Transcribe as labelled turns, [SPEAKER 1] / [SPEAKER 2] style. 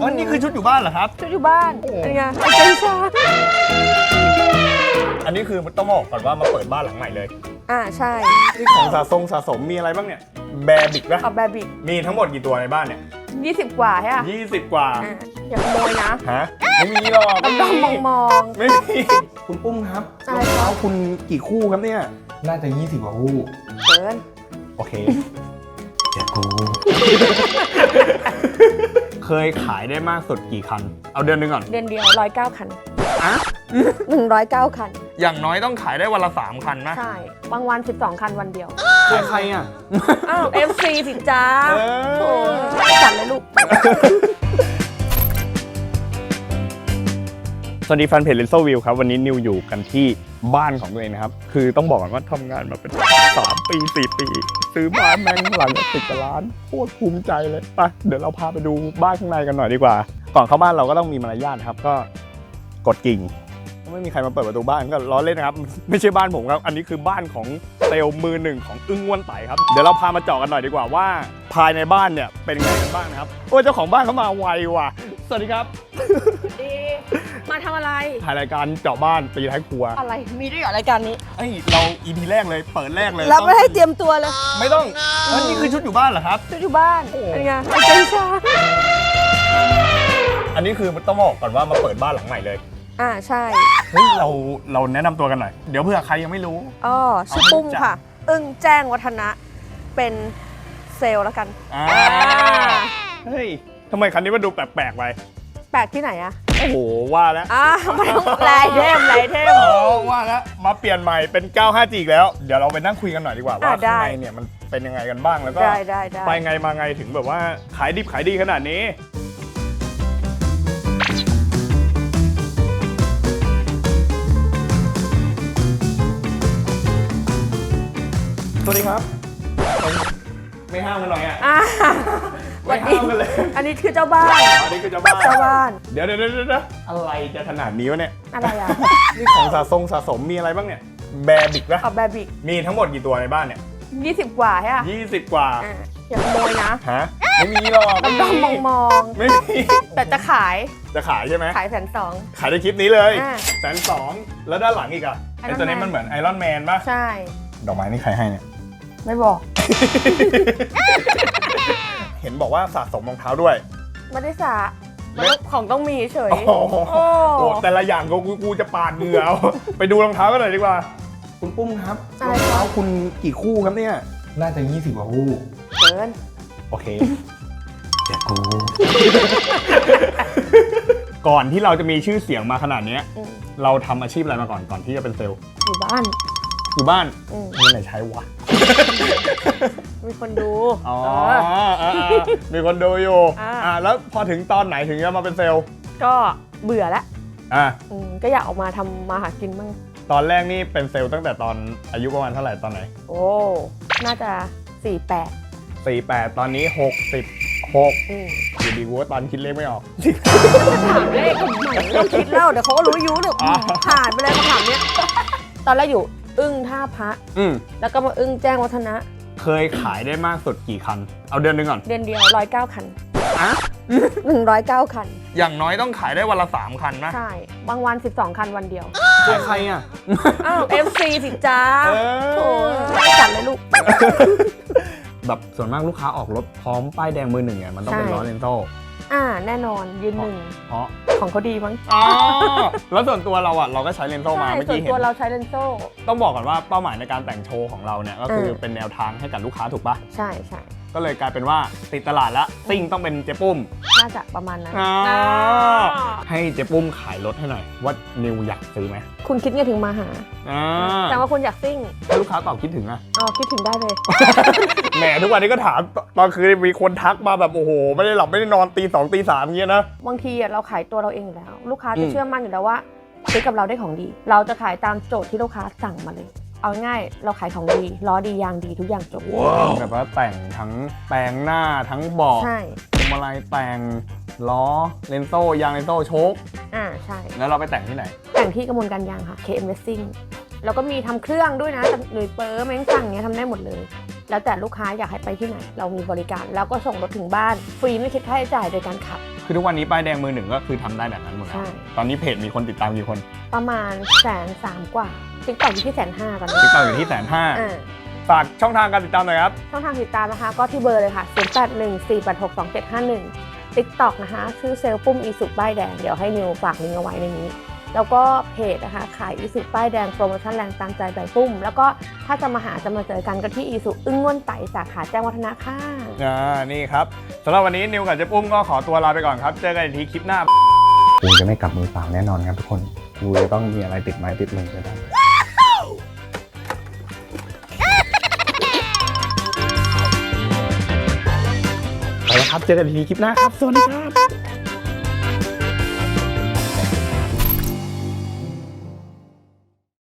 [SPEAKER 1] อ๋อนี่คือชุดอยู่บ้านเหรอครับ
[SPEAKER 2] ชุดอยู่บ้านเป็นไงไอ้เจ้าชา
[SPEAKER 1] อันนี้คือต้องบอกก่อนว่ามาเปิดบ้านหลังใหม่เลย
[SPEAKER 2] ใช่
[SPEAKER 1] นี่ของสะสมมีอะไรบ้างเนี่ยแบร์บิกนะ
[SPEAKER 2] เอาแบบิก
[SPEAKER 1] มีทั้งหมดกี่ตัวในบ้านเนี่ย
[SPEAKER 2] 20 กว่าใช่ไหม
[SPEAKER 1] 20 กว่า
[SPEAKER 2] อย่าขโมยนะ
[SPEAKER 1] ฮะไม่มีหรอก
[SPEAKER 2] ต้องมอง
[SPEAKER 1] ไม่มีคุณปุ้มครับรองเท้าคุณกี่คู่ครับเนี่ยน่าจะ20 กว่าคู่
[SPEAKER 2] เกิน
[SPEAKER 1] โอเคเดี๋ยวกูเคยขายได้มากสุดกี่คันเอาเดือนนึงก่อน
[SPEAKER 2] เดือนเดียว109 คัน
[SPEAKER 1] อะ
[SPEAKER 2] 109 คัน
[SPEAKER 1] อย่างน้อยต้องขายได้วันละ3 คันนะ
[SPEAKER 2] ใช่บางวัน12 คันวันเดียว
[SPEAKER 1] ขายใครอ่ะ
[SPEAKER 2] อ้าว FC สิจ้าโอ้จัดเลยลูก
[SPEAKER 1] สวัสดีแฟนเพจ Renzo View ครับวันนี้นิวอยู่กันที่บ้านของตัวเองนะครับคือต้องบอกก่อนว่าทำงานมาเป็น3 ปี 4 ปีซื้อบ้านแม่งหลังละ10 กว่าล้านโคตรภูมิใจเลยไปเดี๋ยวเราพาไปดูบ้านข้างในกันหน่อยดีกว่าก่อนเข้าบ้านเราก็ต้องมีมารยาทครับก็กดกิ่งไม่มีใครมาเปิดประตูบ้านก็ล้อเล่นนะครับไม่ใช่บ้านผมครับอันนี้คือบ้านของเซลล์มือหนึ่งของอึ้งอ้วนไต่ครับเดี๋ยวเราพามาเจาะกันหน่อยดีกว่าว่าภายในบ้านเนี่ยเป็นไงกันบ้างนะครับโอ้เจ้าของบ้านเขามาไวว่ะสวัสดีครับ
[SPEAKER 2] ดีมาทำอะไร
[SPEAKER 1] ถ่ายรายการเจาะบ้านตีท้ายครัว
[SPEAKER 2] อะไรมีด้วยเหรอรายการนี้
[SPEAKER 1] เรา EP แรกเลยเปิดแรกเลย
[SPEAKER 2] เราไม่ให้เตรียมตัวเลย
[SPEAKER 1] ไม่ต้องนี่คือชุดอยู่บ้านเหรอครับ
[SPEAKER 2] ชุดอยู่บ้านเป็นไงไอ้เจ้าชา
[SPEAKER 1] อันนี้คือต้องบอกก่อนว่ามาเปิดบ้านหลังใหม่เลย
[SPEAKER 2] ใช่
[SPEAKER 1] เฮ้ยเราแนะนำตัวกันหน่อยเดี๋ยวเผื่อใครยังไม่รู้
[SPEAKER 2] ชื่อปุ้มค่ะอึ้งแจ้งวัฒนะเป็นเซลล์แล้วกัน
[SPEAKER 1] เฮ้ยทำไมคันนี้มันดูแปลกๆไป
[SPEAKER 2] แปลกที่ไหนอะ
[SPEAKER 1] โอ้โหว่าแล้ว
[SPEAKER 2] ไม่ลายเทม
[SPEAKER 1] ว่าแล้วมาเปลี่ยนใหม่เป็น95Gอีกแล้วเดี๋ยวเราไปนั่งคุยกันหน่อยดีกว่าว่าข้างในเนี่ยมันเป็นยังไงกันบ้างแล้วก็ไปไงมาไงถึงแบบว่าขายดิบขายดีขนาดนี้สวัสดีครับไม่ห้ามกันหน่อยไม่ห้ามกันเลย
[SPEAKER 2] อันนี้คือเจ้าบ้าน
[SPEAKER 1] อันนี้คือเจ้าบ้านเดี๋ยวอะไรจะขนาดนี้วะเนี่ย
[SPEAKER 2] อะไรอ่ะ
[SPEAKER 1] นี่ของสะสมมีอะไรบ้างเนี่ยแบร์บิกนะ
[SPEAKER 2] เอาแบบิก
[SPEAKER 1] มีทั้งหมดกี่ตัวในบ้านเนี่ย
[SPEAKER 2] 20 กว่าใช่ไหม
[SPEAKER 1] 20 กว่า
[SPEAKER 2] อย่าขโมยนะ
[SPEAKER 1] ฮะไม่มีหรอก
[SPEAKER 2] ต้องมอง
[SPEAKER 1] ไม่มี
[SPEAKER 2] แต่จะขาย
[SPEAKER 1] ใช่ไหม
[SPEAKER 2] ขาย120,000
[SPEAKER 1] ขายในคลิปนี้เลย120,000แล้วด้านหลังอีกอ่ะไอ้ตัวนี้มันเหมือนไอรอนแมนป่ะ
[SPEAKER 2] ใช่
[SPEAKER 1] ดอกไม้นี่ใครให้เนี่ย
[SPEAKER 2] ไม่บอก
[SPEAKER 1] เห็นบอกว่าสะสมรองเท้าด้วย
[SPEAKER 2] ไม่ได้สะของต้องมีเฉย
[SPEAKER 1] โอ้แต่ละอย่างกูจะปาดเหงื่อไปดูรองเท้ากันหน่อยดีกว่าคุณปุ้มครับรองเท้าคุณกี่คู่ครับเนี่ยน่าจะ20 กว่าคู่
[SPEAKER 2] เกิน
[SPEAKER 1] โอเคเดี๋ยวกูก่อนที่เราจะมีชื่อเสียงมาขนาดนี้เราทำอาชีพอะไรมาก่อนที่จะเป็นเซลล์
[SPEAKER 2] อยู่บ้าน
[SPEAKER 1] มีไหนใช้วะ
[SPEAKER 2] มีคนดู
[SPEAKER 1] มีคนดูอยู่แล้วพอถึงตอนไหนถึงจะมาเป็นเซลล์
[SPEAKER 2] ก็เบื่อแล้วก็อยากออกมาทำมาหากินบ้าง
[SPEAKER 1] ตอนแรกนี่เป็นเซลล์ตั้งแต่ตอนอายุประมาณเท่าไหร่ตอนไหน
[SPEAKER 2] โอ้น่าจะ
[SPEAKER 1] 48ตอนนี้66อยู่ดีกูว่าตอนคิดเลขไม่ออก
[SPEAKER 2] ถามเลขทำไมต้องคิดเล่าเดี๋ยวเขาก็รู้ยุเนี่ยผ่านไปเลยคำถามเนี้ยตอนแรกอยู่อึ้งท่าพระแล้วก็มาอึ้งแจ้งวัฒนะ
[SPEAKER 1] เคยขายได้มากสุดกี่คันเอาเดือนนึงก่อน
[SPEAKER 2] เดือนเดียว109 คัน109 คัน
[SPEAKER 1] อย่างน้อยต้องขายได้วันละ3 คันนะ
[SPEAKER 2] ใช่บางวัน12 คันวันเดียว
[SPEAKER 1] ขายใครอ่ะ
[SPEAKER 2] อ้าว FC สิจ้าโอ้จัดเลยลูก
[SPEAKER 1] แบบส่วนมากลูกค้าออกรถพร้อมป้ายแดงมือหนึ่งเนี่ยมันต้องเป็นล้อเลนโซ่
[SPEAKER 2] แน่นอนยืนหนึ่ง
[SPEAKER 1] เพราะ
[SPEAKER 2] ของเขาดีมั้ง
[SPEAKER 1] แล้วส่วนตัวเราอ่ะเราก็ใช้เลนโซ่มาเมื่อกี้เห็นส่วน
[SPEAKER 2] ตัวเราใช้เลนโซ่
[SPEAKER 1] ต้องบอกก่อนว่าเป้าหมายในการแต่งโชว์ของเราเนี่ยก็คือเป็นแนวทางให้กับลูกค้าถูกปะ
[SPEAKER 2] ใช่
[SPEAKER 1] ก็เลยกลายเป็นว่าติดตลาดแล้วซิ่งต้องเป็นเจ๊ปุ้ม
[SPEAKER 2] น่าจะประมาณนั้น
[SPEAKER 1] ให้เจ๊ปุ้มขายรถให้หน่อยว่านิวอยากซื้อไหม
[SPEAKER 2] คุณคิดไงถึงมาหาแต่ว่าคุณอยากซิ่ง
[SPEAKER 1] ถ้าลูกค้าตอบคิดถึงอะ
[SPEAKER 2] คิดถึงได้เลย
[SPEAKER 1] แหมทุกวันนี้ก็ถามตอนคืนมีคนทักมาแบบโอ้โหไม่ได้หลับไม่ได้นอนตี 2 ตี 3อย่างเงี้ยนะ
[SPEAKER 2] บางทีเราขายตัวเราเองอยู่แล้วลูกค้าจะเชื่อมั่นอยู่แล้วว่าซื้อกับเราได้ของดีเราจะขายตามโจทย์ที่ลูกค้าสั่งมาเลยเอาง่ายเราขายของดีล้อดียางดีทุกอย่างจบ
[SPEAKER 1] แบบว่าแต่งทั้งแปลงหน้าทั้งเบาะพวงมาลัยแต่งล้อเลนโซ่ยางเลนโซ่โชค
[SPEAKER 2] ใช่
[SPEAKER 1] แล้วเราไปแต่งที่ไหน
[SPEAKER 2] แต่งที่กระมวลการยางค่ะ KM Racing แล้วก็มีทำเครื่องด้วยนะหรือเปิร์แมงสั่งเนี้ยทำได้หมดเลยแล้วแต่ลูกค้าอยากให้ไปที่ไหนเรามีบริการแล้วก็ส่งรถถึงบ้านฟรีไม่คิดค่าใช้จ่ายโดยการขับ
[SPEAKER 1] คือทุกวันนี้ป้ายแดงมือหนึ่งก็คือทำได้แบบนั้นหมดแล้ว
[SPEAKER 2] ใช่
[SPEAKER 1] ตอนนี้เพจมีคนติดตามกี่คน
[SPEAKER 2] ประมาณ130,000 กว่า TikTok อยู่ที่150,000ตอนนี้
[SPEAKER 1] ติดตามอยู่ที่150,000
[SPEAKER 2] อ่า
[SPEAKER 1] ฝากช่องทางการติดตามหน่อยครับ
[SPEAKER 2] ช่องทางติดตามนะคะก็ที่เบอร์เลยค่ะ 0814862751 TikTok นะคะชื่อเซลล์ปุ้มอีสุป้ายแดงเดี๋ยวให้นิวฝากลิงก์เอาไว้ในนี้ แล้วก็เพจนะคะขายอีสุป้ายแดงโปรโมชั่นแรงตามใจใบปุ้ม แล้วก็ถ้าจะมาเจอกันก็ที่อีสุอึ้งง่วนไต่สาขาแจ้งวัฒนะค่ะ
[SPEAKER 1] นี่ครับสำหรับวันนี้นิวกับเจ๊ปุ้มก็ขอตัวลาไปก่อนครับ เจอกันอีกทีคลิปหน้ากูจะไม่กลับมือเปล่าแน่นอนครับทุกคนกูจะต้องมีอะไรติดไม้ติดมือไปบ้างไปแล้วครับเจอกันอีกทีคลิปหน้าครับสวัสดีครับ